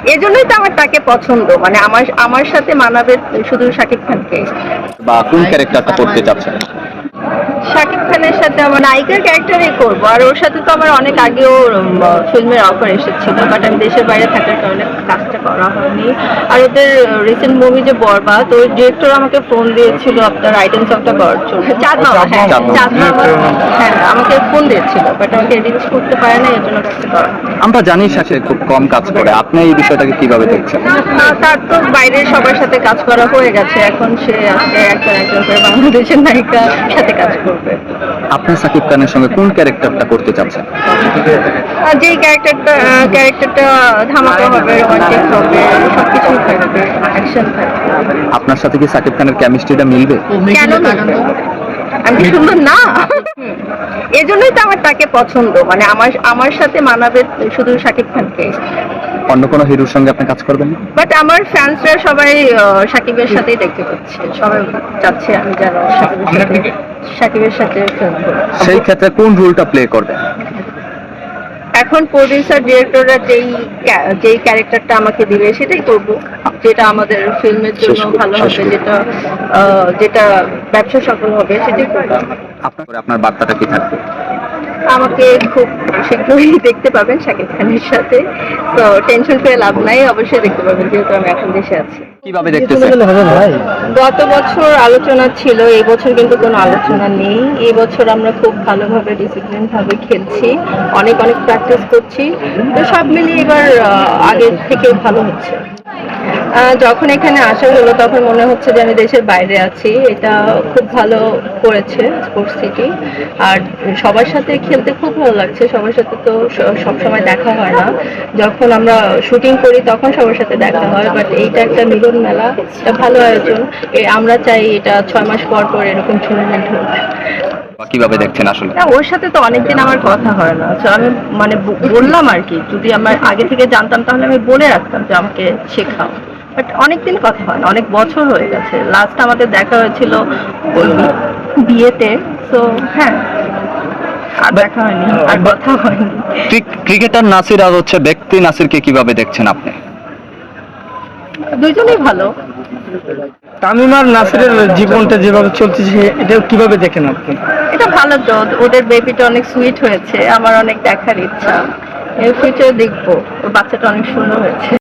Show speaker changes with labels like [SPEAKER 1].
[SPEAKER 1] এজন্যই তো আমার তাকে পছন্দ, মানে আমার আমার সাথে মানাবে শুধু শাকিব খানকে।
[SPEAKER 2] বা কোন ক্যারেক্টারটা করতে চাচ্ছেন?
[SPEAKER 1] শাকিব খানের সাথে আমার নায়িকার ক্যারেক্টারই করব, আর ওর সাথে তো আমার অনেক আগেও ফিল্মের অফার এসেছিল, বাট আমি দেশের বাইরে থাকার কারণে কাজটা করা হয়নি। আর ওদের রিসেন্ট মুভি যে বরবাদ, ওই ডিরেক্টর আমাকে ফোন দিয়েছিল আপনার আইটেম সংটা করার জন্য। চাঁদ মামা, হ্যাঁ চাঁদ মামা, হ্যাঁ আমাকে ফোন দিয়েছিল, বাট আমাকে রিচ করতে পারে না, এর জন্য কাজটা করা হয়নি।
[SPEAKER 2] আমরা জানি সে খুব কম কাজ করে, আপনি এই বিষয়টাকে কিভাবে দেখছেন?
[SPEAKER 1] তার তো বাইরের সবার সাথে কাজ করা হয়ে গেছে, এখন সে আজকে একজন একজন করে বাংলাদেশের নায়িকার সাথে কাজ করবে।
[SPEAKER 2] আপনি সাকিব খানের সঙ্গে কোন ক্যারেক্টারটা করতে চাচ্ছেন?
[SPEAKER 1] আর যেই ক্যারেক্টারটা ধামাকা হবে, রোমান্টিক হবে, সবকিছু থাকবে, অ্যাকশন থাকবে।
[SPEAKER 2] আপনার সাথে কি সাকিব খানের কেমিস্ট্রিটা মিলবে?
[SPEAKER 1] কেন মিলবে? আমি কি সুন্দর না? এজন্যই তো আমার তাকে পছন্দ, মানে আমার আমার সাথে মানাবে শুধু শাকিব খানকে।
[SPEAKER 2] অন্য কোনো হিরোর সঙ্গে আপনি কাজ করবেন না?
[SPEAKER 1] বাট আমার ফ্যান্সরা সবাই শাকিবের সাথেই দেখতে পাচ্ছে, সবাই চাচ্ছে আমি যেন শাকিবের সাথে ফিল্ম করি।
[SPEAKER 2] সেই ক্ষেত্রে কোন রোলটা প্লে করবেন?
[SPEAKER 1] এখন প্রডিউসার ডিরেক্টররা যেই ক্যারেক্টারটা আমাকে দিবে সেটাই করব, যেটা আমাদের ফিল্মের জন্য ভালো হবে, যেটা ব্যবসা সফল হবে সেটাই করব।
[SPEAKER 2] আপনার বার্তাটা কি থাকবে?
[SPEAKER 1] আমাকে খুব শীঘ্রই দেখতে পাবেন শাকিব খানের সাথে, তো টেনশন করে লাভ নাই, অবশ্যই দেখতে পাবেন, যেহেতু আমি এখন দেশে আছি।
[SPEAKER 2] কিভাবে দেখতেছেন?
[SPEAKER 1] গত বছর আলোচনা ছিল, এই বছর কিন্তু কোনো আলোচনা নেই। এই বছর আমরা খুব ভালোভাবে ডিসিপ্লিন ভাবে খেলছি, অনেক অনেক প্র্যাকটিস করছি, তো সব মিলিয়ে এবার আগের থেকে ভালো হচ্ছে। যখন এখানে আসা হলো তখন মনে হচ্ছে যে আমি দেশের বাইরে আছি, এটা খুব ভালো করেছে স্পোর্টস সিটি। আর সবার সাথে খেলতে খুব ভালো লাগছে, সবার সাথে তো সব সময় দেখা হয় না, যখন আমরা শুটিং করি তখন সবার সাথে দেখা হয়, বাট এইটা একটা মিলন মেলা, এটা ভালো আয়োজন। আমরা চাই এটা 6 মাস পর পর এরকম টুর্নামেন্ট হোক।
[SPEAKER 2] কিভাবে দেখছেন আসলে?
[SPEAKER 1] না, ওর সাথে তো অনেকদিন আমার কথা হয় না, তো আমি মানে বললাম আর কি, যদি আমার আগে থেকে জানতাম তাহলে আমি বলে রাখতাম যে আমাকে শেখাও, বাট অনেকদিন কথা হয় না, অনেক বছর হয়ে গেছে। লাস্ট আমাদের দেখা হয়েছিল ওই বিয়েতে, তো হ্যাঁ আর দেখা হয়নি, আর কথা হয়নি।
[SPEAKER 2] ক্রিকেটার নাসির আর হচ্ছে ব্যক্তি নাসিরকে কিভাবে দেখছেন আপনি?
[SPEAKER 1] দুইজনেই ভালো।
[SPEAKER 3] তামিম আর নাসিরের জীবনটা যেভাবে চলতেছে এটা কিভাবে দেখেন আপনি?
[SPEAKER 1] এটা ভালো, তো ওদের বেবিটা অনেক সুইট হয়েছে, আমার অনেক দেখার ইচ্ছা, এর ফিউচার দেখবো, ওর বাচ্চাটা অনেক সুন্দর হয়েছে।